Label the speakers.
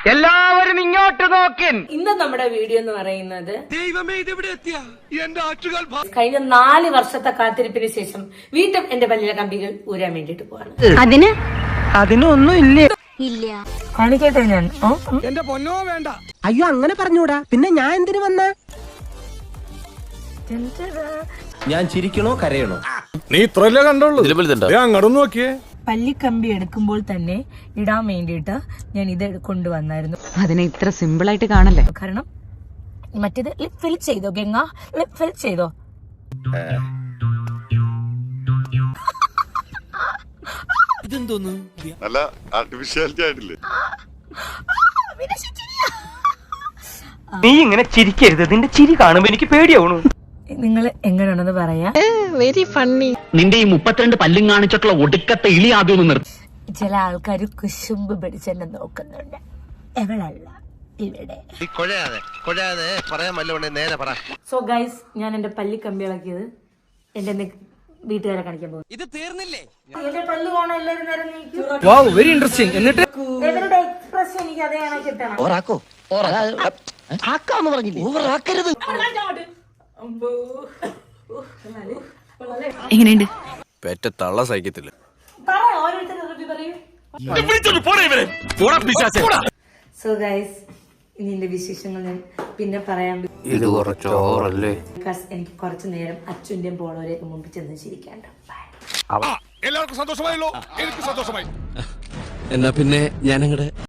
Speaker 1: എല്ലാവരും ഇങ്ങോട്ട് നോക്കിൻ.
Speaker 2: ഇന്ന് നമ്മുടെ വീഡിയോ എന്ന് പറയുന്നത്
Speaker 3: ദൈവമേ ഇതെവിടെ എത്തിയ എന്റെ ആറ്റുകാൽ
Speaker 2: കഴിഞ്ഞ 4 വർഷത്തെ കാത്തിരിപ്പിന് ശേഷം വീണ്ടും എന്റെ പല്ലിലെ കമ്പികൾ ഊരാൻ വേണ്ടിട്ട് പോവാണ്.
Speaker 1: അതിനൊന്നും ഇല്ലേ?
Speaker 2: ഇല്ല കാണിക്കട്ടെ ഞാൻ.
Speaker 3: എന്റെ പൊന്നോ വേണ്ട.
Speaker 1: അയ്യോ അങ്ങനെ പറഞ്ഞൂടാ. പിന്നെ ഞാൻ എന്തിനു വന്ന?
Speaker 4: ഞാൻ ചിരിക്കണോ കരയണോ?
Speaker 3: നീ ഇത്രല്ലേ കണ്ടുള്ളൂ. അങ്ങോട്ട് നോക്കിയേ.
Speaker 2: പല്ലിക്കമ്പി എടുക്കുമ്പോൾ തന്നെ ഇടാൻ വേണ്ടിയിട്ട് ഞാൻ ഇത് കൊണ്ടുവന്നായിരുന്നു.
Speaker 5: അതിനെ ഇത്ര സിമ്പിൾ ആയിട്ട് കാണല്ലേ?
Speaker 2: കാരണം മറ്റേത് ലിപ് ഫിൽ ചെയ്തോ ഗംഗ, ലിപ് ഫിൽ ചെയ്തോ.
Speaker 3: ഇതെന്തോന്നു
Speaker 6: നല്ല ആർട്ടിഫിഷ്യാലിറ്റി ആയിട്ടില്ലേ?
Speaker 1: നീ ഇങ്ങനെ ചിരിക്കരുത്. നിന്റെ ചിരി കാണുമ്പോ എനിക്ക് പേടിയാവണു.
Speaker 2: നിങ്ങൾ എങ്ങനെയാണെന്ന് പറയാ.
Speaker 5: Very funny.
Speaker 7: നിന്റെ ഈ 32 പല്ലും കാണിച്ചിട്ടുള്ള ഒടുക്കത്തെ ഇളി ആദ്യം ഒന്ന് നിർത്തി.
Speaker 2: ചില ആൾക്കാർ കുശുമ്പ് പിടിച്ചെന്നെ നോക്കുന്നുണ്ട്. എവളല്ല ഇവിടെ. സോ ഗൈസ്, ഞാൻ എന്റെ പല്ലിക്കമ്പി ഇളക്കിയത് എന്റെ വീട്ടുകാരെ കാണിക്കാൻ പോകും.
Speaker 3: ഇത് തീർന്നില്ലേ?
Speaker 2: എന്റെ പല്ല് കാണാൻ എല്ലാവരും നേരം നീക്കും.
Speaker 3: Very interesting. എന്നിട്ട്
Speaker 2: ഇവരുടെ എക്സ്പ്രഷൻ എനിക്ക് അതേയാണ് കിട്ടണം.
Speaker 5: എങ്ങനെയുണ്ട്?
Speaker 4: പെറ്റ തള്ള സഹിക്കത്തില്ല.
Speaker 2: സോ ഗൈസ്, ഇനി എന്റെ വിശേഷങ്ങൾ ഞാൻ പിന്നെ പറയാൻ.
Speaker 4: ഇത് കുറച്ചോറല്ലേ?
Speaker 2: എനിക്ക് കുറച്ചു നേരം അച്ഛൻ്റെയും പോളവരെയൊക്കെ മുമ്പിൽ ചെന്ന് ചിരിക്കാണ്ട്.
Speaker 3: എല്ലാവർക്കും സന്തോഷമായല്ലോ. എനിക്ക് സന്തോഷമായി.
Speaker 4: എന്നാ പിന്നെ ഞാനങ്ങടെ